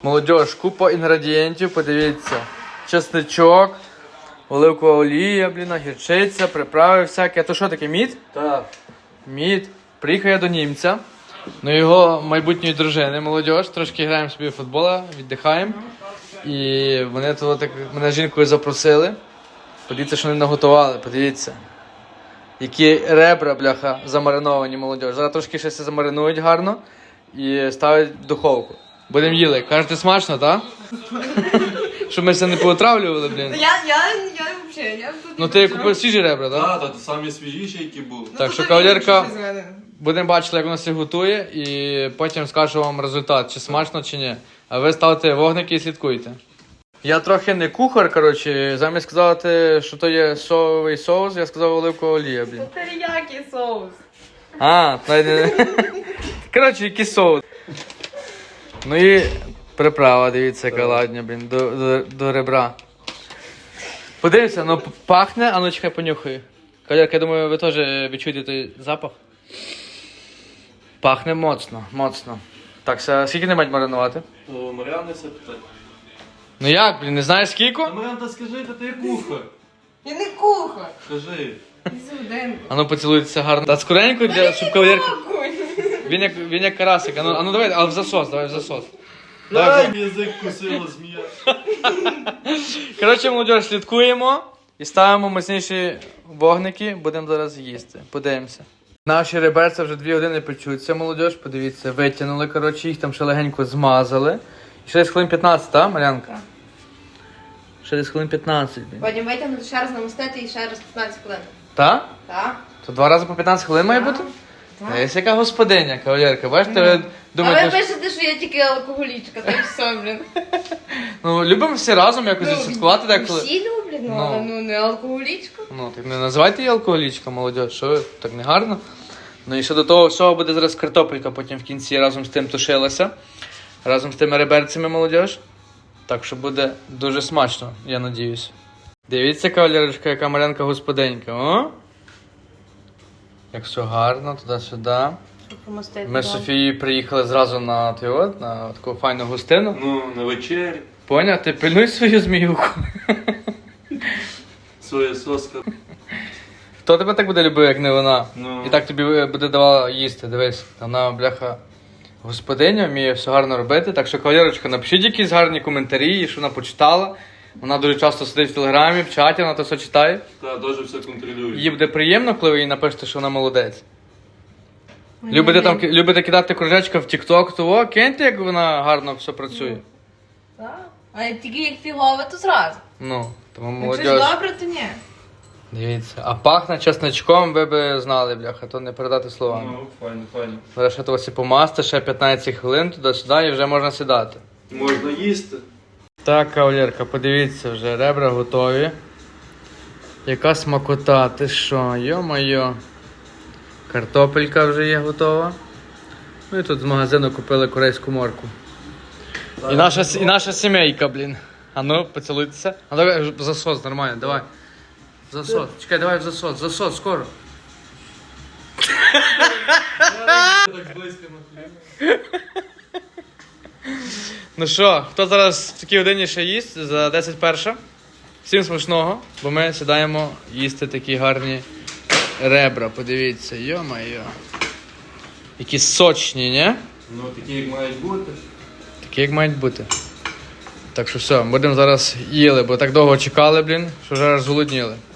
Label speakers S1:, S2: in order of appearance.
S1: Молодіж, купа інгредієнтів, подивіться. Чесничок, оливкова олія, гірчиця, приправи всякі. А то що таке, мід?
S2: Так.
S1: Мід. Приїхав я до німця, ну його майбутньої дружини, молодіж. Трошки граємо собі в футбол, віддихаємо. І вони тут так мене з жінкою запросили. Подивіться, що вони наготували, подивіться. Які ребра, бляха, замариновані, молодіж. Зараз трошки ще все замаринують гарно і ставлять в духовку. Будемо їли. Кажете, смачно, так? Щоб ми все не поотравлювали, блін.
S3: Я взагалі,
S1: Ну ти купив свіжі ребра, так?
S2: Так, самі свіжіші, які були.
S1: Так що, кавалерка, будемо бачити, як воно все готує, і потім скажу вам результат, чи смачно, чи ні. А ви ставте вогники і слідкуйте. Я трохи не кухар, коротше, замість сказати, що то є соєвий соус, я сказав оливкова олія, блін.
S3: Теріякі соус.
S1: А, навіть не... Коротше, який соус. Ну і приправа, дивіться, яка ладня, блін, до ребра. Подивіться, ну пахне, а ну чекай, понюхай. Кавалерка, я думаю, ви теж відчуєте той запах. Пахне моцно, моцно. Так, скільки не мають маринувати?
S2: Мар'яни все питає.
S1: Ну як, блін, не знаєш скільки?
S2: Мар'ян, та скажи, та ти кухар.
S3: Я не кухар.
S2: Скажи.
S1: А ну поцілуйтеся гарно. Та скоренько, щоб кавалерка... Він як карасик. А ну давай, але в засос, давай в засос.
S2: Дай язик кусила змія.
S1: Коротше, молодь, слідкуємо і ставимо мощніші вогники, будемо зараз їсти. Подивимося. Наші реберця вже 2 години печуться, молодь, подивіться, витягнули, коротше, їх там ще легенько змазали. І ще десь хвилин 15, так, Мар'янка?
S3: Так.
S1: Ще десь хвилин 15, блін.
S3: Потім витягнути, ще раз намастити і ще раз 15 хвилин.
S1: Так?
S3: Так?
S1: То 2 рази по 15 хвилин має бути?
S3: Так.
S1: Є яка господиня, кавалерка, бачите, ви
S3: А ви
S1: думаєте, що...
S3: пишете, що я тільки алкоголічка, та й все, блін.
S1: Ну, любимо всі разом якось відсвяткувати деколи.
S3: Всі люблять, але не алкоголічка.
S1: Ну, так не називайте її алкоголічка, молодь, що ви, так не гарно. Ну і ще до того всього буде зараз картопелька потім в кінці разом з тим тушилася. Разом з тими реберцями, молодь. Так що буде дуже смачно, я надіюсь. Дивіться, кавалерочка, яка Мар'янка господинька, о? Як все гарно, туди-сюди. Ми з Софією приїхали зразу на таку файну гостину.
S2: Ну, на вечері.
S1: Поняв? Ти пильнуй свою зміюку.
S2: Своя соска.
S1: Хто тебе так буде любив, як не вона?
S2: Ну.
S1: І так тобі буде давала їсти, дивись. Вона, бляха, господиня, вміє все гарно робити. Так що, кавалерочка, напишіть якісь гарні коментарі, що вона почитала. Вона дуже часто сидить в телеграмі, в чаті, вона то все читає.
S2: Так, дуже все контролює.
S1: Їй буде приємно, коли ви їй напишете, що вона молодець. Любите кидати кружечка в тік-ток, то о, киньте, як вона гарно все працює.
S3: Так. А тільки як фігове, то зразу.
S1: Ну, тому
S3: Якщо ж
S1: молодь.
S3: добре, то ні.
S1: Дивіться, а пахне чесничком, ви б знали, бляха, то не передати словами.
S2: Ну, файно, файно.
S1: Зараз ще того помасти, ще 15 хвилин туди-сюди і вже можна сідати.
S2: Можна їсти.
S1: Так, кавалерка, подивіться, вже ребра готові. Яка смакота, ти що, йо-моє. Картопелька вже є готова. Ну і тут з магазину купили корейську морку. І наша сімейка, блін. А ну, поцілуйтеся. А давай в засос, нормально, давай. В засос. Чекай, давай в засос. Засос, скоро.
S2: Так близько на хліб.
S1: Ну що, хто зараз в такій годині ще їсть за 10:01? Всім смачного, бо ми сідаємо їсти такі гарні ребра. Подивіться, йо-моє. Які сочні, ні?
S2: Ну, такі як мають бути.
S1: Такі як мають бути. Так що все, будемо зараз їли, бо так довго чекали, блін, що вже аж зголодніли.